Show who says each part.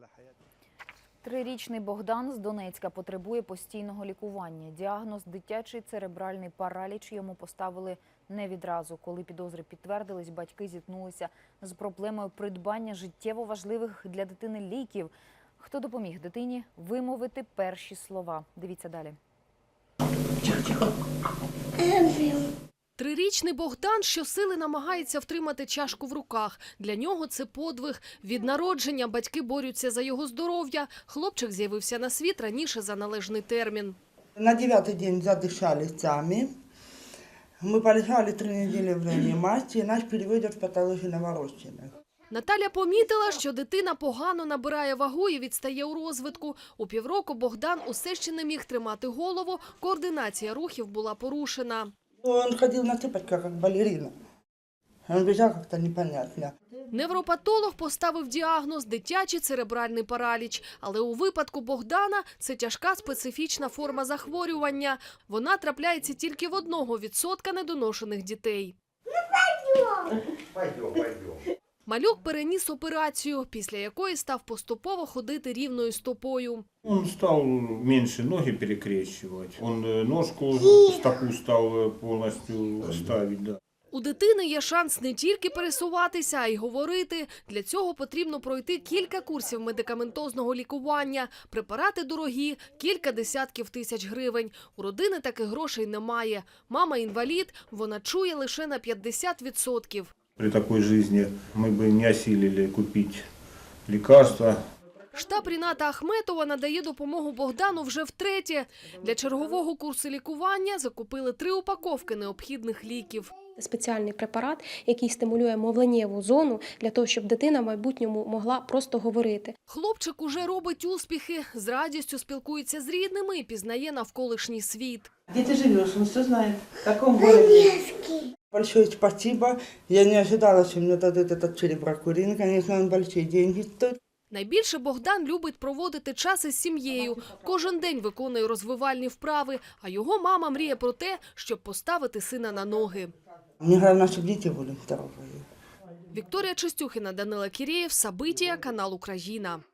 Speaker 1: Трирічний Богдан з Донецька потребує постійного лікування. Діагноз – дитячий церебральний параліч йому поставили не відразу. Коли підозри підтвердились, батьки зіткнулися з проблемою придбання життєво важливих для дитини ліків. Хто допоміг дитині вимовити перші слова? Дивіться далі.
Speaker 2: Трирічний Богдан щосили намагається втримати чашку в руках. Для нього це подвиг. Від народження батьки борються за його здоров'я. Хлопчик з'явився на світ раніше за належний термін.
Speaker 3: На 9-й день задышали сами. Мы полежали 3 недели в реанимации, нас переводят в патологию новорожденных.
Speaker 2: Наталя помітила, що дитина погано набирає вагу і відстає у розвитку. У півроку Богдан усе ще не міг тримати голову, координація рухів була порушена.
Speaker 3: Он ходил на цыпочках, как балерина. Он бежал как-то непонятно.
Speaker 2: Невропатолог поставив діагноз – дитячий церебральний параліч. Але у випадку Богдана це тяжка специфічна форма захворювання. Вона трапляється тільки в 1% недоношених дітей.
Speaker 4: Пойдем.
Speaker 2: Малюк переніс операцію, після якої став поступово ходити рівною стопою.
Speaker 5: Он стал меньше ноги перекрещивать. Он ножку, стопу стал полностью ставить, да.
Speaker 2: У дитини є шанс не тільки пересуватися, а й говорити. Для цього потрібно пройти кілька курсів медикаментозного лікування. Препарати дорогі – кілька десятків тисяч гривень. У родини таких грошей немає. Мама інвалід, вона чує лише на 50%.
Speaker 5: При такой жизни мы бы не осилили купить лекарства.
Speaker 2: Штаб Ріната Ахметова надає допомогу Богдану вже втретє. Для чергового курсу лікування закупили 3 упаковки необхідних ліків.
Speaker 6: Спеціальний препарат, який стимулює мовленнєву зону, для того, щоб дитина в майбутньому могла просто говорити.
Speaker 2: Хлопчик уже робить успіхи, з радістю спілкується з рідними і пізнає навколишній світ.
Speaker 7: Где ты живешь? Он все знает. В каком городе?
Speaker 3: Большое спасибо. Я не ожидала, что мне дадут этот череброкурин. Конечно, он большие деньги стоит.
Speaker 2: Найбільше Богдан любить проводити час із сім'єю. Кожен день виконує розвивальні вправи, а його мама мріє про те, щоб поставити сина на ноги.
Speaker 3: Мне главное, чтобы дети были здоровые.
Speaker 2: Вікторія Чистюхіна, Данила Кірєєв, Сабитія, канал Україна.